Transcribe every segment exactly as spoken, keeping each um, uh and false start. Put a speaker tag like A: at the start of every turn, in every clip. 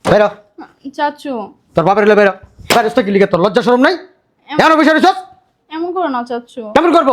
A: বেরো
B: চাচু।
A: তোর বাপের হলে বেরো। বেরোস তো কি লিখে, তোর লজ্জা শরম নাই? এমন বিষয় রেছস?
B: এমন করো না চাচু।
A: কেমন করবো?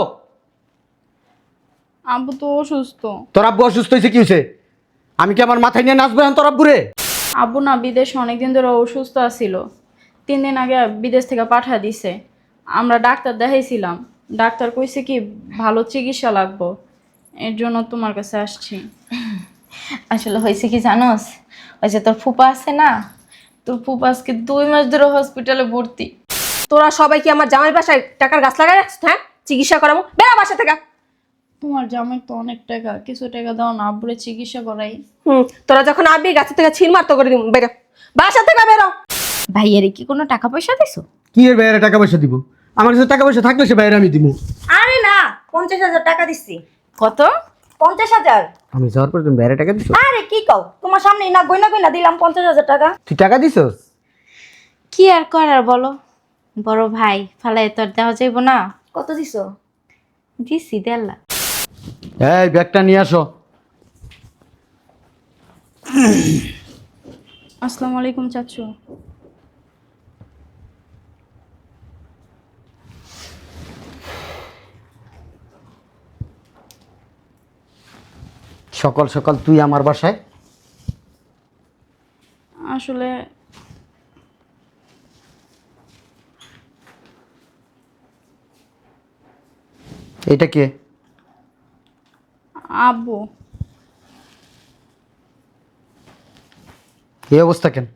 B: আব্বু তো অসুস্থ।
A: তোর আব্বু অসুস্থ হয়েছে কি হয়েছে? আমি কি আমার মাথায় নিয়ে নাচবো এখন তোর আব্বুরে?
B: আব্বু না বিদেশে অনেকদিন ধরে অসুস্থ আছিল। তিন দিন আগে বিদেশ থেকে পাঠা দিছে। আমরা ডাক্তার দেখাইছিলাম। ডাক্তার কইছে কি ভালো চিকিৎসা লাগবো, এর জন্য তোমার কাছে আসছি।
C: আসলে হয়েছে কি জানোস, ওই যে তোর ফুপা আছে না, তোর ফুপা আজকে দুই মাস ধরে হসপিটালে ভর্তি।
D: তোরা সবাই কি আমার জামাই বাসায় টাকার গাছ লাগাই রাখছিস? হ্যাঁ, চিকিৎসা করাবো, বেড়া বাসা থেকে।
B: তোমার জামাই তো অনেক টাকা, কিছু টাকা দাও না, আব্বুরে চিকিৎসা করাই।
D: হুম, তোরা যখন আবি গাছের থেকে ছিঁড় মারতো করে দিব, বেরো বাসা থেকে বেরো।
C: ভাইয়ের কি কোনো টাকা পয়সা দিছো?
A: কি এর বাইরে টাকা পয়সা দিব? আমার কাছে টাকা পয়সা থাকলে সে বাইরে আমি দিব।
D: আরে না, পঞ্চাশ হাজার টাকা দিচ্ছি।
C: কত?
D: পঞ্চাশ হাজার।
A: আমি যাওয়ার পর তুমি বাইরে টাকা দিছো?
D: আরে কি কও, তোমার সামনে না গইনা গইনা দিলাম পঞ্চাশ হাজার টাকা।
A: তুই টাকা দিছস?
C: কি আর করার বলো, বড় ভাই ফালাই তোর দেওয়া যাইব না।
D: কত দিছো?
C: দিছি দেড় লাখ।
A: এই ব্যাগটা নিয়ে আসো।
B: আসসালামু আলাইকুম চাচু।
A: সকাল সকাল তুই আমার বাসায়?
B: আসলে
A: এটা কে?
B: আব্বু।
A: এই অবস্থা কেন?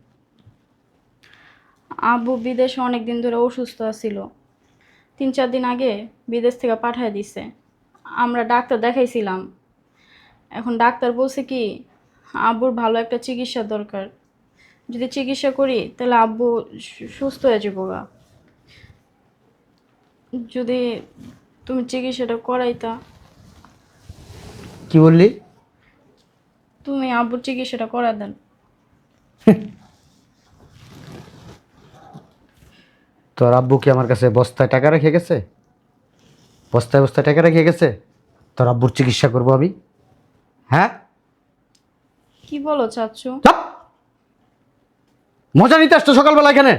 B: আব্বু বিদেশে অনেক দিন ধরে অসুস্থ ছিল। তিন চার দিন আগে বিদেশ থেকে পাঠিয়ে দিছে। আমরা ডাক্তার দেখাইছিলাম। এখন ডাক্তার বলছে কি আব্বুর ভালো একটা চিকিৎসা দরকার। যদি চিকিৎসা করি তাহলে আব্বু সু- সুস্থ হয়ে যাবো গা। যদি তুমি চিকিৎসাটা করাইতা।
A: কি বললি?
B: তুমি আব্বুর চিকিৎসাটা করা দেন।
A: তোর আব্বু কি আমার কাছে বস্তায় টাকা রেখে গেছে? বস্তায় বস্তায় টাকা রেখে গেছে? তোর আব্বুর চিকিৎসা করবো আমি? হ্যাঁ,
B: কি বলো চাচ্ছু?
A: চাপ! মজা নিতে আসতো সকালবেলা এখানে?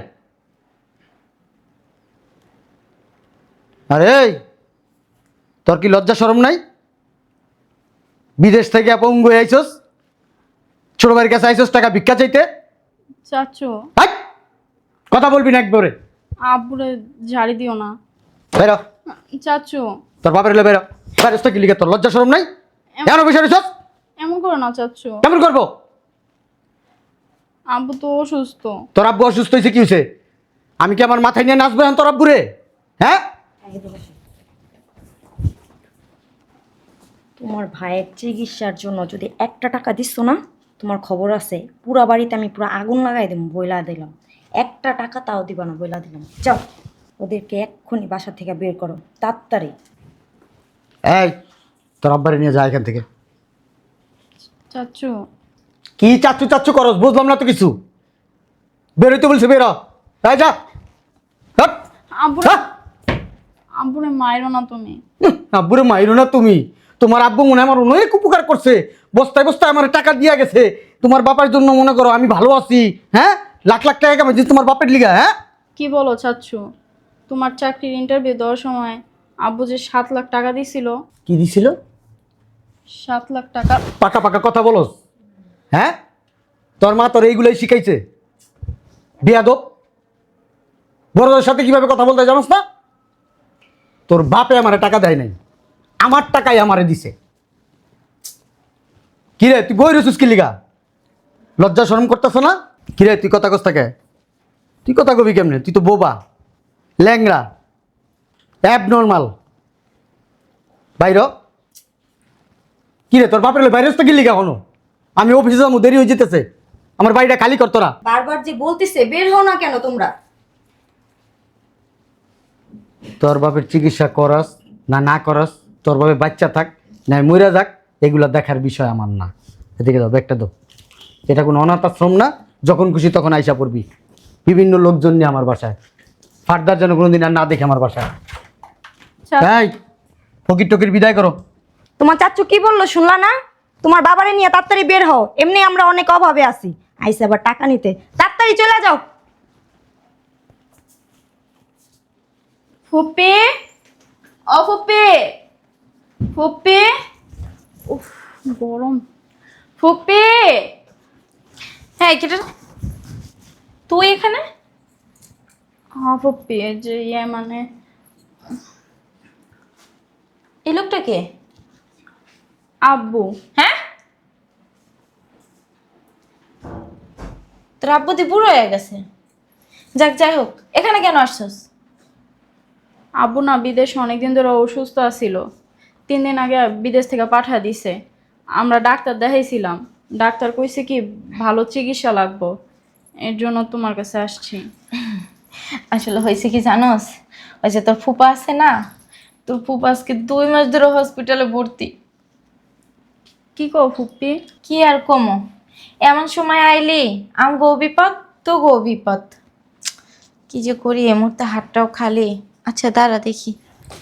A: আরে এই, তোর কি লজ্জা শরম নাই? বিদেশ থেকে আপঙ্গ হয়ে আইসস, ছোট ভাইয়ের কাছে আইসস টাকা ভিক্ষা চাইতে।
B: চাচ্ছু
A: হাট! কথা বলবি না একবারে।
B: আব্বুরে ঝাড়ি দিও না।
A: বেরো
B: চাচ্ছু
A: তোর বাপের হলে বেরো। বেরোস তো কি লিখে, তোর লজ্জা শরম নাই? এমন বিষয় রেছস?
B: এমন করো না চাচ্ছু।
A: কেমন করবো?
B: আব্বু তো অসুস্থ।
A: তোর আব্বু অসুস্থ হয়েছে কি হয়েছে? আমি কি আমার মাথায় নিয়ে নাচবো এখন তোর আব্বুরে? হ্যাঁ,
D: তোমার ভাইয়ের চিকিৎসার জন্য যদি একটা টাকা দিচ্ছ না, তোমার খবর আছে, পুরা বাড়িতে আমি পুরো আগুন লাগাই দিলাম, বইলা দিলাম। একটা টাকা তাও দিবা না, বইলা দিলাম। যাও, ওদেরকে এক্ষুনি বাসা থেকে বের করো, তাড়াতাড়ি।
A: এই তোর আব্বারে নিয়ে যা এখান থেকে।
B: চাচ্ছু
A: কি চাচ্ছু চাচ্ছু করস? বুঝলাম না তো কিছু। বেরোইতে বলছে বেরো। এই যা। হাট!
B: আব্বুরে
A: হ্যাঁ?
B: আব্বুরে মাইরো না তুমি।
A: উহ, আব্বুরে মাইরো না তুমি? তোমার আব্বু মনে হয় আমার অনেক উপকার করছে। বস্তায় বস্তায় আমার টাকা দিয়া গেছে। তোমার বাবার জন্য মনে করো আমি ভালো আছি। হ্যাঁ, লাখ লাখ টাকা কামাইছি তোমার বাপের লিগা। হ্যাঁ,
B: কি বলো চাচ্ছু? তোমার চাকরির ইন্টারভিউ দেওয়ার সময় আব্বু যে সাত লাখ টাকা দিছিল।
A: কি দিছিল?
B: সাত লাখ টাকা।
A: পাকা পাকা কথা বলস? হ্যাঁ, তোর মা তোর এইগুলাই শিখাইছে? বিয়াদব, বড়দের সাথে কিভাবে কথা বলতে হয় জানোস না? তোর বাপে আমারে টাকা দেয় নাই, আমার টাকাই আমারে দিছে। কিরে তুই বই রসুস কি লিগা? লজ্জা শরম করতেছ না? কিরে তুই কথা কস থাকে? তুই কথা কবি কেমনে? তুই তো বোবা, ল্যাংরা, অ্যাবনর্মাল। বাইর। কিরে তোর বাপের বাইরে কি লিগা হনো? আমি অফিসে যাবো, দেরি হয়ে যেতেছে। আমার বাড়িটা খালি কর তোরা।
D: বারবার যে বলতেছে বের হও না কেন তোমরা?
A: তোর বাপের চিকিৎসা করস না না করস, তোর বাপে বাচ্চা থাক না মইরা যাক, এগুলো দেখার বিষয় আমার না। এদিকে দাও ব্যাগটা দাও। এটা কোনো অনাথ আশ্রম না, যখন খুশি তখন আইসা পড়বি। বিভিন্ন লোকজন নিয়ে আমার বাসায়, ফার্দার যেন কোনোদিন আর না দেখে আমার বাসায়।
B: চা-
A: এই ফকির টকির বিদায় করো।
D: তোমার চাচ্চু কি বললো শুনলা না? তোমার বাবারে নিয়ে তাড়াতাড়ি বের হও, এমনি আমরা অনেক অভাবে আছি। আইসে আবার টাকা নিতে। তাড়াতাড়ি চলে যাও।
B: ফুপি, ও ফুপি, ফুপি, উফ গরম। ফুপি,
C: হ্যাঁ কেটে তুই এখানে?
B: হ্যাঁ ফুপি, এই যে ইয়ে মানে
C: এই লোকটা কে?
B: আব্বু।
C: হ্যাঁ, তোর আব্বু দি বুড়ো হয়ে গেছে। যাক, যাই হোক, এখানে কেন আসছস?
B: আব্বু না বিদেশে অনেকদিন ধরে অসুস্থ ছিল। তিন দিন আগে বিদেশ থেকে পাঠিয়ে দিছে। আমরা ডাক্তার দেখাইছিলাম, ডাক্তার কইছে কি ভালো চিকিৎসা লাগবো, এর জন্য তোমার কাছে আসছি।
C: আসলে হয়েছে কি জানোস, ওই যে তোর ফুপা আছে না, তোর ফুপা আজকে দুই মাস ধরে হসপিটালে ভর্তি।
B: কি কও ফুপি?
C: কি আর কমো, এমন সময় আইলি আম গো বিপদ তো গো বিপদ। কি যে করি, এ মুহূর্তে হাতটাও খালি। আচ্ছা দাঁড়া দেখি,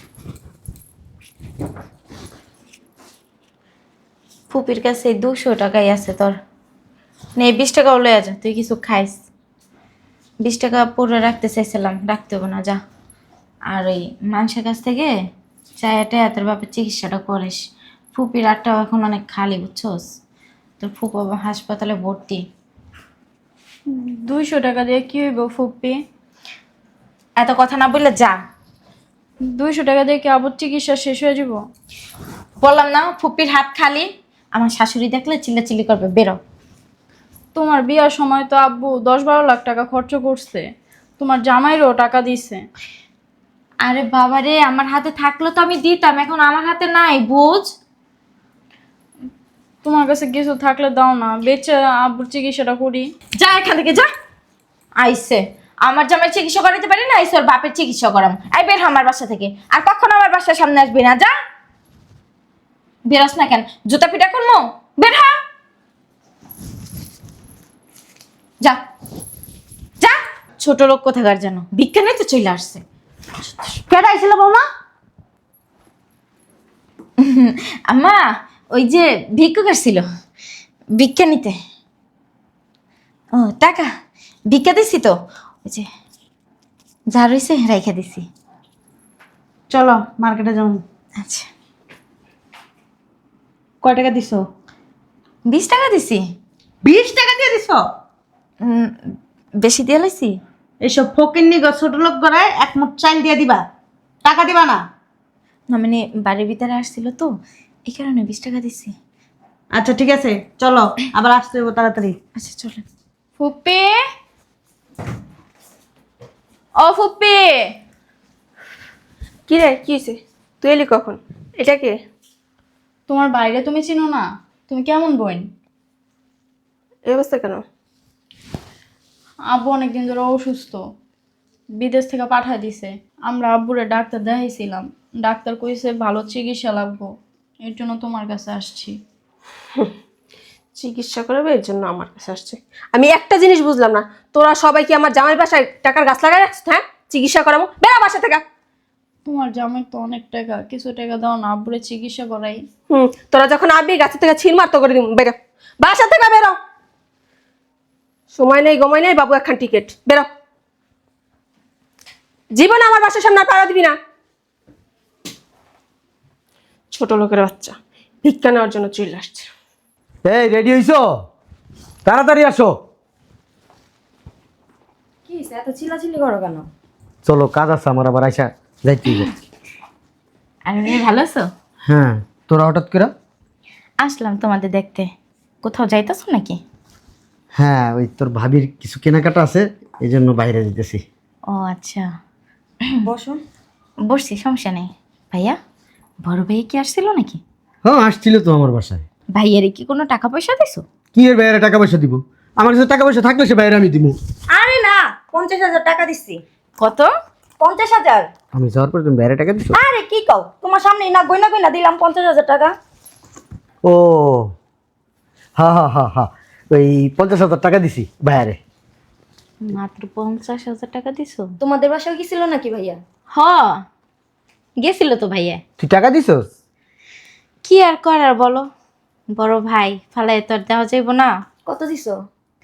C: ফুপির কাছে দুশো টাকাই আছে তোর, নে বিশ টাকাও লয়ে যা, তুই কিছু খাইস। বিশ টাকা পরে রাখতে চাইছিলাম, রাখতে হবে না, যা। আর ওই মানুষের কাছ থেকে চায়াটা তোর বাপের চিকিৎসাটা করিস। ফুপির আটটাও এখন অনেক খালি, বুঝছস? তোর ফুপা হাসপাতালে ভর্তি।
B: দুইশো টাকা দিয়ে কি হইব ফুপি?
C: এত কথা না বললে যা।
B: দুইশো টাকা দিয়ে কি আবার চিকিৎসা শেষ হয়ে যাব?
C: বললাম না ফুপির হাত খালি, আমার শাশুড়ি দেখলে চিল্লাচিল্লি করবে, বেরো।
B: তোমার বিয়ার সময় তো আব্বু দশ বারো লাখ টাকা খরচ করছে, তোমার জামাইরও টাকা দিছে।
C: আরে বাবা রে, আমার হাতে থাকলে তো আমি দিতাম, এখন আমার হাতে নাই, বুঝ।
B: তোমার কাছে কিছু থাকলে দাও না, বেচে আব্বুর চিকিৎসাটা করি।
C: যা এখান থেকে যা। আইসে আমার জামাই চিকিৎসা করাতে পারি না, আইসে ওর বাপের চিকিৎসা করাম। আই বের হ আমার বাসা থেকে, আর কখনো আমার বাসার সামনে আসবি না, যা। বেরোস না কেন, জুতা পিটা করবো, বের হ, যা যা। ছোট লোক কোথাকার যেন, বিজ্ঞানে তো চলে আসছে।
D: কেডা আইছিল বৌমা?
C: আম্মা, ওই যে ভিক্ষুক আসছিল ভিক্ষা নিতে। ও টাকা ভিক্ষা দিছি তো, ওই যে যা রয়েছে রেখে দিছি।
E: চলো মার্কেটে যাও।
C: আচ্ছা,
E: কয় টাকা দিছো?
C: বিশ টাকা দিছি।
E: বিশ টাকা দিয়ে দিছো?
C: উম, বেশি দিয়ে লাইছি?
E: এইসব ফকিন্নি গো ছোট লোক গড়ায় এক মুঠ চাল দিয়ে দিবা, টাকা দিবা না।
C: না মানে বাড়ির ভিতরে আসছিল তো, এই কারণে বিশ টাকা দিছি।
E: আচ্ছা ঠিক আছে, চলো আবার আসতে হইব তাড়াতাড়ি।
C: আচ্ছা চলেন।
B: ফুপি, ও ফুপি।
F: কি রে, কি হয়েছে? তুই এলি কখন? এটা কে?
B: তোমার বাইরে তুমি চিনো না? তুমি কেমন বোন?
F: এই অবস্থা কেন?
B: আব্বু অনেকদিন ধরে অসুস্থ, বিদেশ থেকে পাঠিয়ে দিছে। আমরা আব্বুরে ডাক্তার দেখাইছিলাম, ডাক্তার কইছে ভালো চিকিৎসা লাগবো, এর জন্য তোমার কাছে আসছি।
F: চিকিৎসা করাবে এর জন্য আমার কাছে আসছে? আমি একটা জিনিস বুঝলাম না, তোরা সবাই কি আমার জামাই বাসায় টাকার গাছ লাগাই রাখছিস? হ্যাঁ, চিকিৎসা করাবো, বেড়া বাসা থেকে।
B: তোমার জামাই তো অনেক টাকা, কিছু টাকা দাও না, আব্বুরে চিকিৎসা করাই।
F: হুম, তোরা যখন আবি গাছের থেকে ছিঁড় মারতো করে দিব, বেরো বাসা থেকে, বেরো। সময় নেই গমাই নেই বাবু, একখান টিকিট, বেরো। জীবন আমার বাসার সামনে আর পাড়া দিবি না। ছোট লোকের বাচ্চা ভিক্ষা নেওয়ার জন্য চলে আসছে।
A: এই রেডি হইছো? তাড়াতাড়ি আসো।
D: কি হইছে, এত চিল্লাচিল্লি করো কেন?
A: চলো কাজ আছে আমার, আবার আইসা যাইতে হবে।
C: আর মেয়ে ভালো আছো?
A: হ্যাঁ, তোরা হঠাৎ করে?
C: আসলাম তোমাদের দেখতে। কোথাও যাইতেছো নাকি?
A: হ্যাঁ, ওই তোর ভাবির কিছু কেনাকাটা আছে, এই জন্য বাইরে যেতেছি।
C: ও আচ্ছা,
D: বসো।
C: বসছি, সমস্যা নেই। ভাইয়া, বড় ভাই কি আসছিল নাকি?
A: হ্যাঁ, আসছিল তো আমার বাসায়।
C: ভাইয়ারে কি কোনো টাকা পয়সা দিছো?
A: কি এর বাইরে টাকা পয়সা দিব? আমার কাছে টাকা পয়সা থাকলে সে বাইরে আমি দিব।
D: আরে না, পঞ্চাশ হাজার টাকা দিচ্ছি।
C: কত?
D: পঞ্চাশ হাজার?
A: আমি যাওয়ার পর তুমি বাইরে টাকা দিছো?
D: আরে কি কও, তোমার সামনে না গয়না গয়না দিলাম পঞ্চাশ হাজার টাকা।
A: ও হা হা হা হা, ওই পঞ্চাশ হাজার টাকা দিছি বাইরে।
C: মাত্র পঞ্চাশ হাজার টাকা দিছো?
D: তোমাদের বাসায় কি ছিল নাকি ভাইয়া?
C: হ, গেছিল তো ভাইয়া।
A: তুই টাকা দিছস?
C: কি আর করার বলো, বড় ভাই ফালাই তো আর দেওয়া যাইব না।
D: কত দিছো?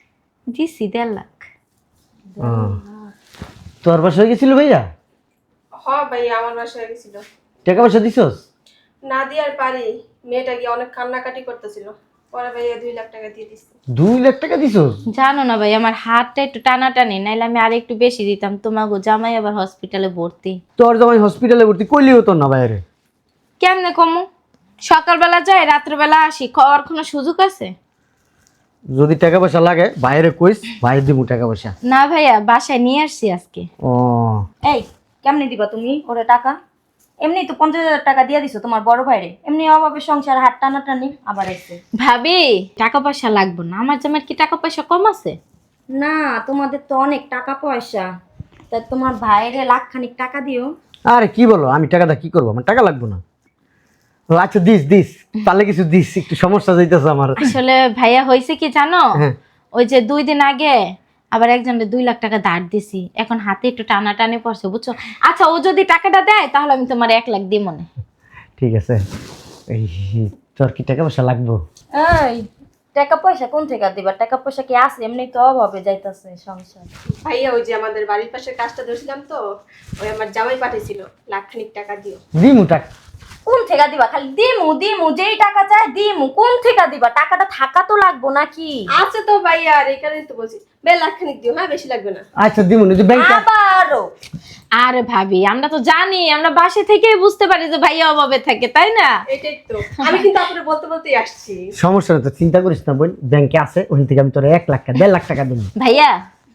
C: দিছি দেড় লাখ।
A: ও, তোর বাসা হয়ে গেছিল ভাইয়া?
F: হ ভাই আমার বাসায় গেছিল।
A: টাকা পয়সা দিছস?
F: না দিয়ে আর পারি, মেয়েটা গিয়ে অনেক কান্নাকাটি করতেছিল, পরে ভাইয়া দুই লাখ টাকা দিয়ে দিচ্ছে।
A: দুই লাখ টাকা দিছস?
C: জানো না ভাই আমার হাতটা একটু টানাটানি, নাইলে আমি আর একটু বেশি দিতাম। তোমাকে জামাই আবার হসপিটালে ভর্তি।
A: তোর জামাই হসপিটালে ভর্তি কইলি হতো না বাইরে?
C: কেমনে কমু? সকালবেলা যাই রাত্রেবেলা আসি, খাওয়ার কোনো সুযোগ আছে?
A: যদি টাকা পয়সা লাগে বাইরে কইস, বাইরে দিব টাকা পয়সা।
C: না ভাইয়া বাসায় নিয়ে আসছি আজকে।
A: ও
D: এই কেমনে দিবা তুমি ওরে টাকা? এমনি তো পঞ্চাশ হাজার টাকা দিয়ে দিছো তোমার বড় ভাইরে, এমনি অভাবে সংসার হাত টানাটানি আবার এসে।
C: ভাবি টাকা পয়সা লাগবে না, আমার জামাইয়ের কি টাকা পয়সা কম আছে?
D: না তোমাদের তো অনেক টাকা পয়সা, তা তোমার ভাইরে লাখ খানিক টাকা দিও।
A: আরে কি বলো, আমি টাকাটা কি করবো? আমার টাকা লাগবে না। ও আচ্ছা দিস দিস, তাহলে কিছু দিস, একটু সমস্যা যাইতেছে আমার।
C: আসলে ভাইয়া হয়েছে কি জানো,
A: হ্যাঁ।
C: ওই যে দুই দিন আগে আবার একজনের দুই লাখ টাকা ধার দিছি, এখন হাতে একটু টানাটানি পড়ছে বুঝছো। আচ্ছা ও যদি টাকাটা দেয় তাহলে আমি তোমার এক লাখ দিই মনে।
A: ঠিক আছে। এই তোর কি টাকা পয়সা লাগবে?
D: এই টাকা পয়সা কোন থেকে দিবা? টাকা পয়সা কি আছে? এমনি তো অভাবে যাইতাছে সংসার।
F: ভাইয়া ওই যে আমাদের বাড়ির পাশে কাজটা ধরছিলাম তো, ওই আমার জামাই পাঠিয়েছিল লাখ খানিক টাকা দিও।
A: দিমু টাকা।
D: কোন থেকে দিবা? খালি দিমু দিমু, যেই টাকা চায় দিমু। কোন থেকে দিবা? টাকাটা থাকা তো লাগবো নাকি?
F: আছে তো ভাইয়া, আর এই কারণেই তো বলছি বে লাখ খানিক দিও, হ্যাঁ বেশি লাগবে না।
A: আচ্ছা দিমু না, যে ব্যাংকে
D: আবারও
C: আরে ভাবি আমরা তো জানি, আমরা বাসা থেকেই বুঝতে পারি যে ভাইয়া অভাবে থাকে, তাই না?
F: এটাই তো আমি কিন্তু আপনার বলতে বলতেই আসছি।
A: সমস্যা নেই, তো চিন্তা করিস না বোন, ব্যাংকে আছে, ওখান থেকে আমি তোর এক লাখ টাকা দেড় লাখ টাকা দেবো।
C: ভাইয়া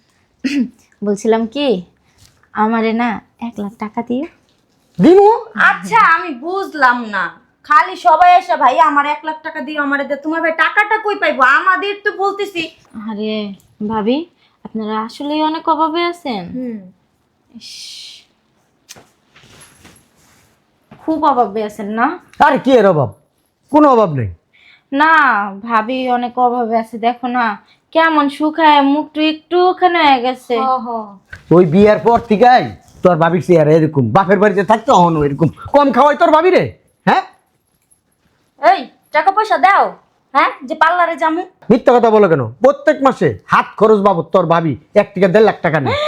C: বলছিলাম কি, আমারে না এক লাখ টাকা দিয়ে।
A: দিমু।
D: আচ্ছা আমি বুঝলাম না, খালি সবাই এসে ভাই আমার এক লাখ টাকা দিও আমারে দে, তোমার ভাই টাকাটা কই পাইবো? আমাদের তো বলতেছি।
C: আরে ভাবি আপনারা আসলেই অনেক অভাবে আছেন।
D: হুম
C: ইস, খুব অভাবে আছেন না?
A: আরে কি এর অভাব? কোনো অভাব নেই।
C: না ভাবি অনেক অভাবে আছে, দেখো না কেমন শুকায় মুখটা একটুখানি হয়ে গেছে।
D: হ হ
A: ওই বিয়ার পর থেকেই তোর ভাবির চেয়ারে এরকম, বাপের বাড়িতে থাকতো অহন এরকম কম খাওয়াই তোর ভাবি রে। হ্যাঁ
D: এই টাকা পয়সা দাও, হ্যাঁ যে পার্লারে যামু।
A: মিথ্যা কথা বলো কেন? প্রত্যেক মাসে হাত খরচ বাবদ তোর ভাবি এক থেকে দেড় লাখ টাকা নেই।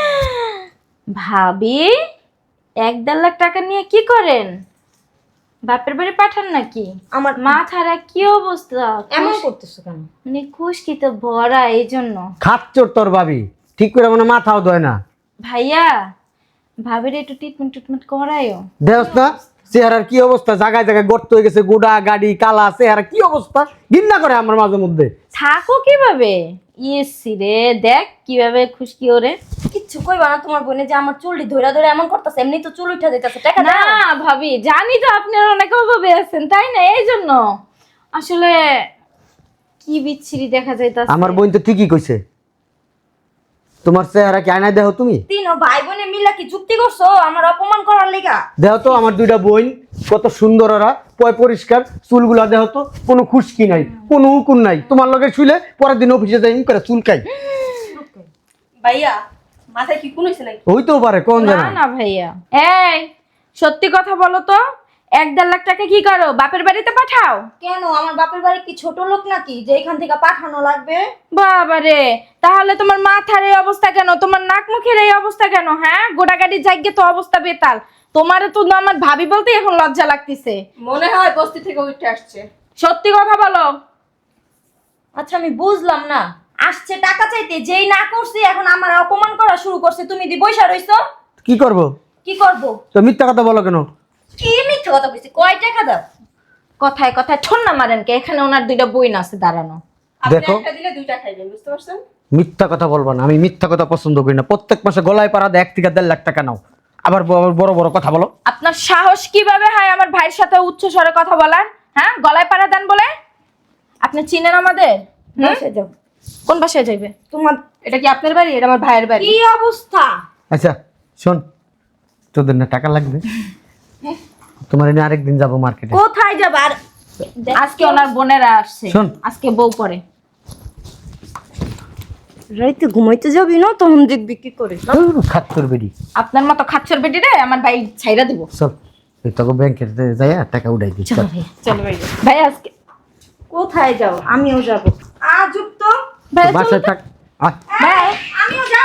C: ভাবি এক দেড় লাখ টাকা নিয়ে কি করেন? বাপের বাড়ি পাঠান নাকি?
D: আমার
C: মাথারা কি অবস্থা,
D: এমন করতেছো কেন?
C: মানে খুশকি তো ভরা, এই জন্য।
A: খাচ্চর তোর ভাবি, ঠিক করে মানে মাথাও ধয় না।
C: ভাইয়া ভাবির একটু ট্রিটমেন্ট ট্রিটমেন্ট করায়ও।
A: দেখ না চেহারার কি অবস্থা, জায়গায় জায়গায় গর্ত হয়ে গেছে, গোডা গাড়ি কালা চেহারা, কি অবস্থা, ঘৃণা করে আমার মাঝে মধ্যে।
C: থাকো কিভাবে? ইয়েসি রে দেখ কিভাবে খুশকি ওরে।
D: কিচ্ছু কইবা না তোমার বোনে যে আমার চুলটি ধইরা ধরে এমন করতেছে, এমনি তো চুল উঠা যাইতাছে। টাকা
C: না
D: দাও।
C: ভাবি জানি তো আপনার অনেক অভাবে আছেন, তাই না? এই জন্য আসলে কি বিচ্ছিরি দেখা যাইতাছে।
A: আমার বোন তো ঠিকই কইছে, তোমার চেহারা কি আয়নায় দেখো তুমি?
D: তিন ভাই বোনে মিলা কি চুক্তি করছো আমার অপমান করার লেগা?
A: দেখো তো আমার দুইটা বোন কত সুন্দর, ওরা পয় পরিষ্কার, চুলগুলা দেখো তো, কোনো খুশকি নাই, কোনো উকুন নাই। তোমার লগে শুলে পরের দিন অফিসে যাই করে চুলকাই।
F: ভাইয়া মাথায় কি কোন হইছে নাকি?
A: হইতেও পারে, কোন
C: না
A: জানা।
C: না ভাইয়া, এই সত্যি কথা বলো তো, এক দেড় লাখ টাকা কি করো? বাপের বাড়িতে পাঠাও?
D: কেন আমার বাপের বাড়ি কি ছোট লোক নাকি যে এখান থেকে পাঠানো লাগবে?
C: বাবারে, তাহলে তোমার মাথার এই অবস্থা কেন? তোমার নাক মুখের এই অবস্থা কেন? হ্যাঁ গোটাগাড়ি জায়গা তো অবস্থা বেতাল। তোমারে তো না আমার ভাবি বলতে এখন লজ্জা লাগতেছে।
F: মনে হয় বস্তি থেকে উঠে আসছে।
C: সত্যি কথা বলো।
D: আচ্ছা আমি বুঝলাম না, আসছে টাকা চাইতে, যেই না করছি এখন আমার অপমান করা শুরু করছে। তুমি দি বইসা রইছো,
A: কি করব?
D: কি করব?
A: তো মিথ্যা কথা বলো কেন?
D: কি মিথ্যা কথা কইছি? কয় টাকা দাও?
C: কথায় কথায় ঠন্না মারেন কে? এখানে ওনার দুইটা বইন আছে দাঁড়ানো।
F: আপনি
A: দেখো।
F: একটা দিলে দুইটা খাইবেন, বুঝতে পারছেন?
A: মিথ্যা কথা বলবা না, আমি মিথ্যা কথা পছন্দ করি না। প্রত্যেক মাসে গলায় পাড়া দেয় এক থেকে দেড় লাখ টাকা নাও, আবার ব- বড় বড় কথা বলো।
C: আপনার সাহস কিভাবে হয় আমার ভাইয়ের সাথে উচ্চ স্বরে কথা বলার? হ্যাঁ গলায় পাড়া দেন বলে? আপনি চিনেন আমাদের? হুম?
D: বসে যাও।
C: কোন বাসায় যাইবে?
D: তোমার
F: এটা কি আপনার বাড়ি? এটা আমার ভাইয়ের বাড়ি।
D: কি অবস্থা?
A: আচ্ছা শোন, তোদের না টাকা লাগবে, তোমার এনে আরেকদিন যাবো মার্কেটে।
D: কোথায় যাবা? আর
C: আজকে ওনার বোনেরা আসছে,
A: শোন।
C: আজকে বউ পরে।
D: রাইতে ঘুমাইতে যাবি না, তখন দেখবি কি করে।
A: খাত্তর বেরি।
C: আপনার মতো খাচ্ছর বেটি রে আমার ভাই ছাইরা দিব।
A: চল ওই তোকে ব্যাংকের যাই টাকা উঠাই দিই।
C: চলো ভাই, চলো ভাই। ভাই আজকে
D: কোথায় যাও? আমিও যাব। আজব তো।
C: ভাই চলো
A: বাসায়
C: তো।
A: থাক, আয়
C: বাই।
D: আমিও যাবো।